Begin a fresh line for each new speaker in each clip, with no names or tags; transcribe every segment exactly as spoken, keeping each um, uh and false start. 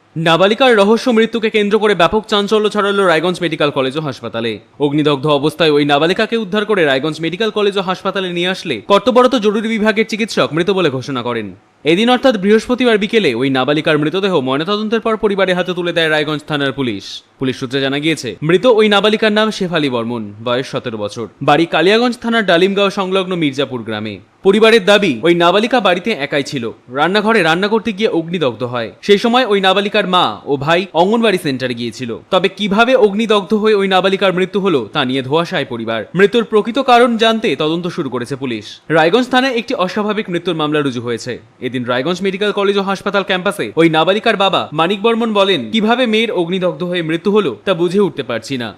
নাবালিকার রহস্য মৃত্যুকে কেন্দ্র করে ব্যাপক চাঞ্চল্য ছড়ালো রায়গঞ্জ মেডিকেল কলেজ ও হাসপাতালে। অগ্নিদগ্ধ অবস্থায় ওই নাবালিকাকে উদ্ধার করে রায়গঞ্জ মেডিকেল কলেজ ও হাসপাতালে নিয়ে আসলে কর্তব্যরত জরুরি বিভাগের চিকিৎসক মৃত বলে ঘোষণা করেন। এদিন অর্থাৎ বৃহস্পতিবার বিকেলে ওই নাবালিকার মৃতদেহ ময়নাতদন্তের পর পরিবারের হাতে তুলে দেয় রায়গঞ্জ থানার পুলিশ। পুলিশ সূত্রে জানা গিয়েছে, মৃত ওই নাবালিকার নাম শেফালি বর্মন, বয়স সতেরো বছর, বাড়ি কালিয়াগঞ্জ থানার ডালিমগাঁও সংলগ্ন মির্জাপুর গ্রামে। পরিবারের দাবি, ওই নাবালিকা বাড়িতে একাই ছিল। রান্নাঘরে রান্না করতে গিয়ে অগ্নিদগ্ধ হয়। সেই সময় ওই নাবালিকার মা ও ভাই অঙ্গনবাড়ি সেন্টারে গিয়েছিল। তবে কিভাবে অগ্নিদগ্ধ হয়ে ওই নাবালিকার মৃত্যু হলো তা নিয়ে ধোঁয়াশায় পরিবার। মৃত্যুর প্রকৃত কারণ জানতে তদন্ত শুরু করেছে পুলিশ। রায়গঞ্জ থানায় একটি অস্বাভাবিক মৃত্যুর মামলা রুজু হয়েছে। এদিন রায়গঞ্জ মেডিকেল কলেজ ও হাসপাতাল ক্যাম্পাসে ওই নাবালিকার বাবা মানিক বর্মন বলেন, কিভাবে মেয়ের অগ্নিদগ্ধ হয়ে মৃত্যু হলো তা বুঝে উঠতে পারছি না।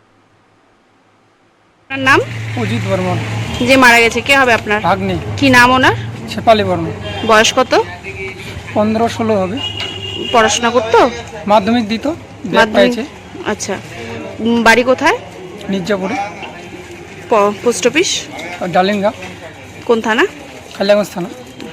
আপনার নাম?
অজিত বর্মন।
যে মারা গেছে কে হবে আপনার?
ভাগ্নে।
কি নাম ওনার?
শেফালি বর্মন।
বয়স কত?
পনেরো ষোলো হবে।
পড়াশোনা করতো?
মাধ্যমিক দিত, ব্যাক
মাধ্যমিক।
পেয়েছে।
আচ্ছা, উম, বাড়ি কোথায়?
মির্জাপুরে,
পোস্ট অফিস
ডালিমগাঁও,
কোন থানা?
কালিয়াগঞ্জ থানা।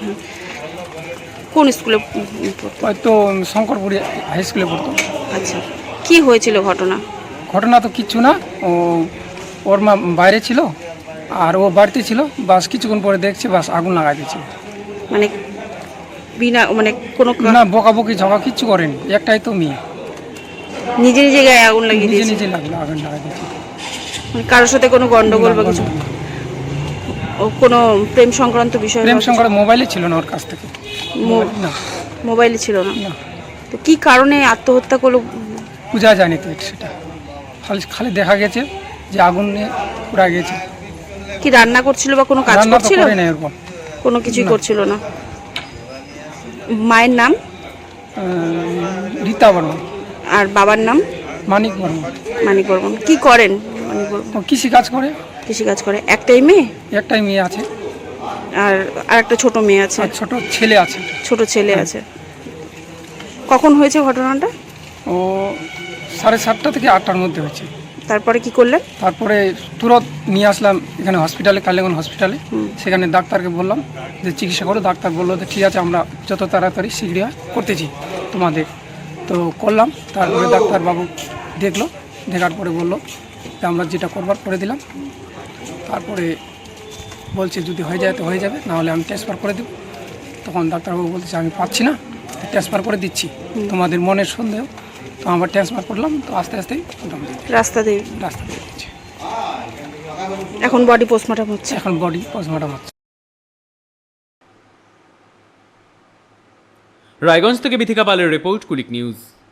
কোন স্কুলে পড়তো?
হয়তো শঙ্করপুরে হাই স্কুলে পড়তো।
আচ্ছা, কি হয়েছিল ঘটনা?
ঘটনা তো কিচ্ছু না, ও ওর মা বাইরে ছিল আর ও বাড়িতে ছিল। বাস কিছুক্ষণ পরে দেখছে বাস আগুন লাগাই দিয়েছে।
মানে বিনা মানে কোনো
না বকাবকি ঝগড়া কিচ্ছু করেনি, একটাই তো মেয়ে।
নিজে নিজে গায়ে আগুন লাগিয়ে
নিজে
দিয়েছে?
নিজে লাগলো, আগুন লাগাই দিয়েছে।
মানে কারোর সাথে কোনো গন্ডগোল বা কিছু? ও কোনো প্রেম সংক্রান্ত বিষয়?
প্রেম সংক্রান্ত মোবাইলে ছিল না ওর কাছ থেকে।
মো-
না,
মোবাইলে ছিল না?
না,
তো কি কারণে আত্মহত্যা করলো?
বোঝা যায়নি তো সেটা। খালি খালি দেখা গেছে যে আগুন নিয়ে পুরা গেছে।
কি রান্না করছিল বা কোনো কাজ
রান্না তো
করছিল?
করে নাই এরকম।
কোনো কিছুই
না।
করছিল না। মায়ের নাম?
আহ, রীতা বর্মন।
আর বাবার নাম?
মানিক বর্মন।
মানিক বর্মন। কি করেন মানিক বর্মন?
ও কৃষি কাজ করে।
কৃষি কাজ করে। একটাই মেয়ে?
একটাই মেয়ে আছে
আর আর একটা ছোট মেয়ে আছে?
আর ছোট ছেলে আছে।
ছোট ছেলে আছে। কখন হয়েছে ঘটনাটা?
ও সাড়ে সাতটা থেকে আটটার মধ্যে হয়েছে।
তারপরে কি করলেন?
তারপরে তুরন্ত নিয়ে আসলাম এখানে হসপিটালে, কালিয়াগঞ্জ হসপিটালে। সেখানে ডাক্তারকে বললাম যে চিকিৎসা করো। ডাক্তার বললো যে ঠিক আছে, আমরা যত তাড়াতাড়ি শীঘ্র করতেছি তোমাদের। তো করলাম। তারপরে ডাক্তারবাবু দেখলো, দেখার পরে বললো যে আমরা যেটা করবার করে দিলাম। তারপরে বলছে যদি হয়ে যায় তো হয়ে যাবে, নাহলে আমি ট্রান্সফার করে দেবো। তখন ডাক্তারবাবু বলছে আমি পাচ্ছি না, ট্রান্সফার করে দিচ্ছি, তোমাদের মনের সন্দেহ। তো আমরা ট্রান্সফার করলাম। তো আস্তে আস্তেই মোটামুটি
রাস্তা দিয়ে?
রাস্তা দিয়ে দিচ্ছে।
এখন বডি পোস্টমর্টম হচ্ছে?
এখন বডি পোস্টমর্টম হচ্ছে।
রায়গঞ্জ থেকে বিথিকা পালের রিপোর্ট, কুলিক নিউজ।